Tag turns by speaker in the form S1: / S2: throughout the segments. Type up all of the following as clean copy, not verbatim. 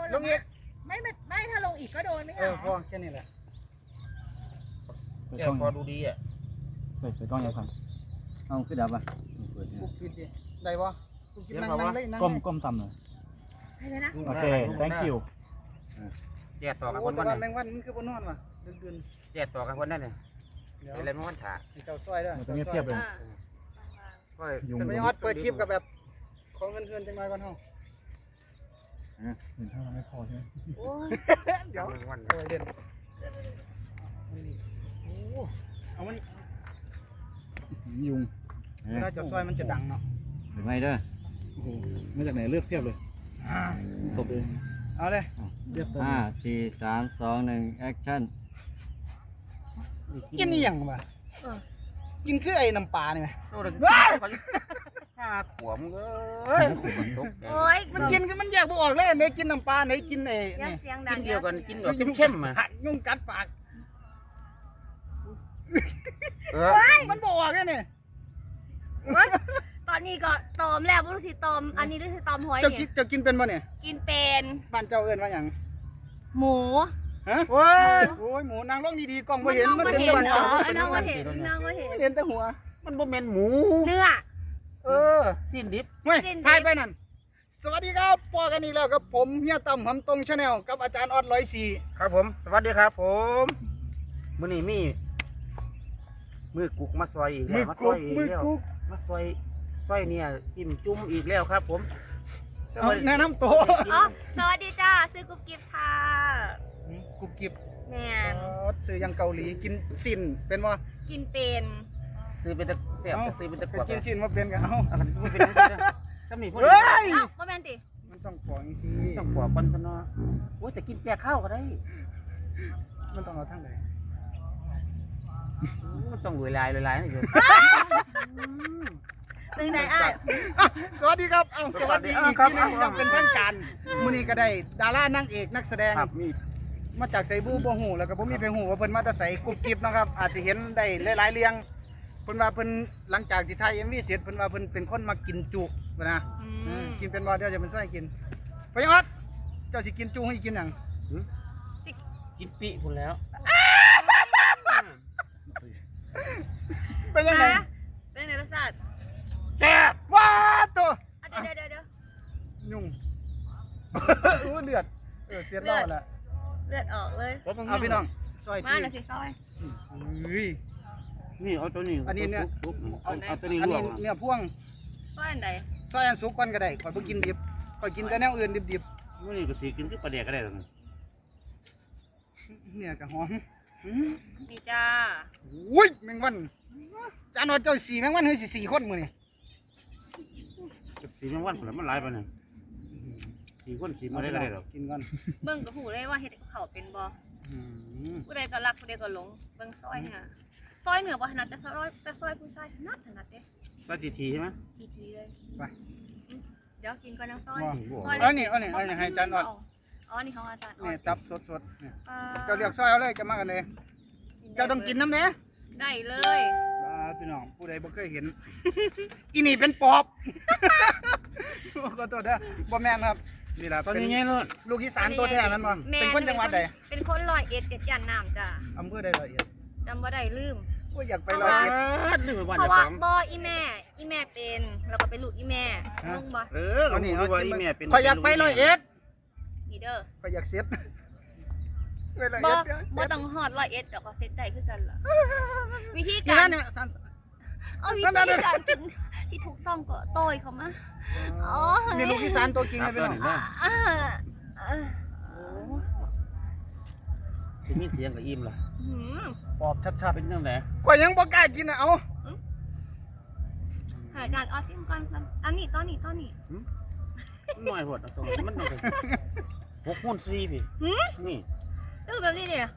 S1: ลงอีก
S2: ไม่ถ้าลงอีกก็โดนไม่ใช่หรอ
S1: พอแค่นี้แหละ
S3: แกพอดูดีอ่ะ
S4: เปิดกล้องยังครับเอาขึ้นดับป่ะเปิด
S1: ปุ๊บปิดดิได้ปะปุ๊บกินนั่งเลยนั่ง
S4: ก้มต่ำเลย
S2: ใช่เลยนะ
S4: โอเค thank you
S3: แยกต่อกับคน
S1: แต่
S3: วัน
S1: แมงวันมันคือบนนอนว่ะดึง
S3: แยกต่อกับคนนั่นเนี่ยอะไรไม่วันถ่า
S1: เจ้าซอยด้วย
S4: ตรงนี้เทียบเลย
S1: แต่ไม่ฮอตเปิดคลิปกับแบบของเงินจังไรกันเฮา
S4: เห็นถ้าเราไม่พอใช่ไหม
S1: เดี๋ยว
S3: วัน
S1: โอ้ยเด่นเอามัน
S4: ยุง
S1: เวลาเจ้าซอยมันจะดังเนาะ
S4: หรือไม่เด้อโอ้โหมาจากไหนเลือกเทียบเลยตบเอง
S1: เอาเลย
S4: 5 4 3 2 1 action
S1: กินนี่ยังวะกินคือไอ้น้ำปลานี่ไหม
S3: โอ้ยข้าขวมเอ้ยตก
S2: โอ้ย
S1: มันกินมันแยกบ่ออกเลยไหนกินน้ำปลาไหนกินไอ้
S2: ยังเสียงดั
S3: กิ
S2: ง
S3: นเดียวกันกินแบบเข้มๆอ่ะ
S1: ยุ่งกัดปาก มันบ่ออกเลยเนี่ย
S2: ตอนนี้ก็ตอมแล้วไม่รู้สิตอมอันนี้รู้สิตอมหอย
S1: เจ้า
S2: เนี่ย
S1: กินเป็นป่ะเนี่ย
S2: กินเป็น
S1: บ้านเจ้าเอิ้นว่าหยัง
S2: หมู
S1: ฮะ
S3: โอ้ย
S1: โอ้ยหมูนางร้องดีๆกล้องบ่เห็นมัน
S2: เห็
S1: เห็น
S2: น
S1: แต่
S2: เห
S1: หั
S2: ร
S1: ว
S2: อน้องก็เห็นน้องก็เห็น
S1: เห็นแต่หัว
S3: มันบ่แม่นหมู
S2: เนื้อ
S3: สิ้นดิบ
S1: เฮ้ยถ่ายไปนั่นสวัสดีครับพอกันอีกแล้วกับผมเฮียตั้มหำตรงชาแนลกับอาจารย์ออด104
S3: ครับผมสวัสดีครับผมมื้อนี้มีมือกุกมาซอยอีกแล้วมาซอยอีกแล้วมาซอยเนี่ยจิ้มจุ่มอีกแล้วครับผม
S1: เอาแนะนำตัว
S2: อ๋อสวัสดีจ้าซื้อกุ๊บกิ๊บค่ะ
S1: กุบกิบ
S2: แม่น
S1: ซื้อยังเกาหลีกินสินเป็นว่า
S2: กินเป็น
S3: ซื้อเป็นตะแซ่บซื้อเป็นตะกวด
S1: กินสินมาเป็นกันเอ้า
S3: อันนี้มันเป็นจังซี่นะถ้ามีพวก
S1: เฮ้
S3: นี้
S1: ย
S2: เอ้าบ่แม่นติ
S1: มันต้องปล่อยสิ
S3: ต้องกวดคนซะเนาะโอ้ยแต่กินแจกข้าวก็ได้
S1: มันต้องเอาทางไหน
S3: มันต้องรวยลายนี่อยู่
S2: เป็นไงอ้าย
S1: สวัสดีครับสวัสดีอีกทีนึงยังเป็นทางการมื้อนี้ก็ได้ดารานางเอกนักแสดง
S3: ครับมี
S1: มาจากไสบูบ่ฮู้แล้วก็บ่มีไปฮู้ว่าเพิ่นมาแต่ไสกุบกิบนะครับอาจจะเห็นได้หลายๆเรื่องเพิ่นว่าเพิ่นหลังจากที่ถ่าย MV เสร็จเพิ่นว่าเพิ่นเป็นคนมากินจุนะกินเป็นบ่เดี๋ยวจะเป็นซอยกินไปออดเจ้าสิกินจุให้กินหยัง
S3: กินปีพุ่นแล้ว
S1: เป็นยังไง
S2: เป็นไงรสชาติ
S3: แซ่บ
S1: ว้าตัว
S2: เดี๋ยว
S1: ยุ่งอู้เดือดเสียดแล้วล่ะ
S2: เลือดออกเลย
S1: เอาพี่น้องซอย
S2: มา
S1: ที่
S2: หน่อยสิซอย
S1: เฮ้ย
S3: นี่เอาตัวนี้
S1: อันนี้เนี่ย
S3: เอาตัวนี้
S1: อัน
S3: ลว
S1: นี้
S3: ก
S1: เนื้อพ่วง
S2: ซอยอันใด
S1: ซอยอันสุกก่อนก็ได้ข่อยบ่กินดิบข่อยกินแต่แนวอื่นดิบ
S3: มื้อนี้ก็สิกินคือปลาแดกก็ได้ตรงนี้
S1: ๆเนี่ยก็หอม
S2: นี่จ้า
S1: อุ้ยแมงวันจานว่าเจ้า4แมงวันเฮ้ยสิ4คนมื้อนี่
S3: สีแมงวันพุ่นมันหลายปานนั้น4คน4มื้อได้ก็ได้ดอก
S1: กินก่อน
S2: เบิ่งก็หูเลยว่าเฮ็ดกับเขาวเป็นบ่
S1: อืม
S2: ผู้ใดก็รักผู้ใดก็หลงเบิ่งซอยเนี่ยซอยเหนือบ่ถนัดแต่ซอยผู้ชายถนัดเด้
S3: ซอยทีใช่มั้ย
S2: ทีเลย
S1: ไป
S2: เดี๋ยวกินก่อนน้ำซอย
S1: เอานี่ให้จานออด
S2: อ๋อนี่ของอาจารย์ออ
S1: นี่
S2: ด
S1: ตับสดๆเนี่ยเจ้าเรียกซอยเอาเลยจะมากันเลยเจ้าต้องกินน้ำเนี้ย
S2: ได้เลย
S1: พี่น้องผู้ใดบ่เคยเห็น อีนี่เป็นปอบ ขอโทษนะบ่แม่นครับนี่ล่ะ
S3: ตอน
S1: เป็น
S3: นี้ไงลูก
S1: ลูกอีสานตัวแท้มันบ่เป็นคนจังหวัดใด
S2: เป็นคนร้อยเอ็ดเจ็ดย่านน้ำจ้ะ
S1: อำเภอใดละเอียด
S2: จำบ่ได้ลืม
S1: โอ้ยอยากไปร้อยเอ็ด
S3: ลืมไปวัน
S2: เพ
S3: จะ
S2: ราะว่า
S3: ฟัง
S2: บ่อีแม่เป็นแล้วก็เป็นลูกอีแม่ลงบ่
S3: เอานี่ว่าอีแม่เป็น
S1: ข่อยอยากไปร้อยเอ็ด
S2: นี่เด้อ
S1: ข่อยอยากเซ็ตไปร้อย
S2: บ่
S1: เอ็ด
S2: บ่ต้องฮอดร้อยเอ็ดแต่ก็เซ็ตได้คือกันล่ะวิธี
S1: นี่
S2: การ
S1: นั่นเนี่ย
S2: เอาวิธีการกินที่ถูกต้องก็โต้ยเขามาอ๋อ
S1: นี่ลูกอีสานตัวจริง
S3: ครั
S1: นะ
S3: บ
S1: พี่
S3: ตัว
S1: น้อง
S3: นี้นะ
S2: อ่า
S3: จะมีเสียงกับอิ่มล่ะ
S1: ปอบชัด
S3: เป็นจังได๋
S1: ๆข่อยยังบ่กล้ากินนะเอา
S2: หาการออซิมก่อนอันนี้ต้นนี้
S3: น้อยโพดตรงมันต้อง6คูณ4พี่นี่
S2: แบบนี้เนี่ย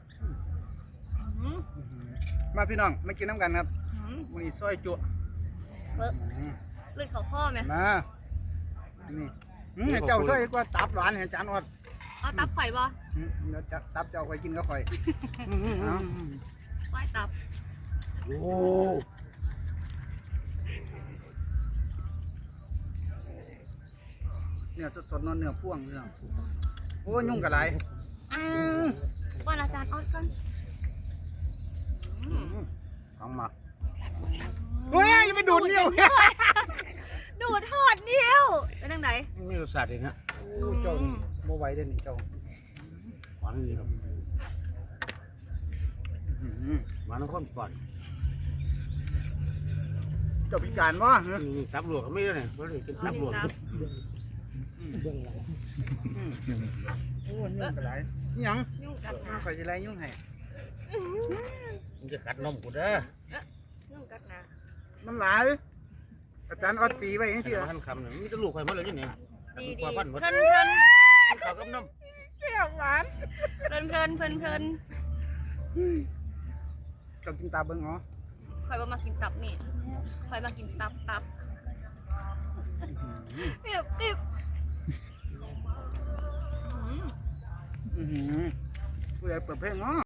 S1: มาพี่น้องมากินน้ำกันครับมื้อนี้ซอยจุ
S2: เลือดเขาข้อไหม
S1: มานี่เจ้าซอยกว่าตับหวานให้จานออด
S2: เอาตับไข่บ่
S1: เดี๋ยวตับเจ้าข่อยกินก็ข่อย
S2: ไข่ตับ
S1: โอ้เนี่ยสดๆเนื้อพ่วงพี่น้องโอ้ยุ่งกับไร
S2: อ้าวป้อนอาจารย์ออดก่อน
S3: ของหมัก
S1: เฮ้ยอย่าไปดูดนิ้ว
S2: ดูดทอดนิ้วเป็นจังได
S3: มีรสชาติเองฮะ
S1: โอ้เจ้านี่โมไหวเด้อนี่เจ้า
S3: หวานดีครับหวานน้ำข้นก่อน
S1: เจ้าพิการวะ
S3: นี่ตับหลวกก็ไม่ได้เนี่ยเพราะนี่กินตับหลวก
S1: โอ้ยุ่งกับไรนี่หยัง
S2: ยุ่งกัดนะ
S1: ข่อยจะไรยุ่งให้
S3: มันจะกัดนมกูเด้อ
S2: ยุ่งกัดนะ
S1: มันหลายอาจารย์ออดสีไว้ยัง
S3: ที่
S1: สิ
S3: มาหันคำเนี่ยมีแต่ลูกใครมาเลยนี่เนี่ย
S2: ดี
S3: กว่าพันหมด
S2: เพลิน
S3: เขากับนม
S1: เปรี้ยวหวาน
S2: เพลิน
S1: เจ้ากินตาเบิ้งเหรอ
S2: คอยมากินตับนี่คอยมากินตับติบ
S1: ผู้ใหญ่เปิดเพลงเนาะ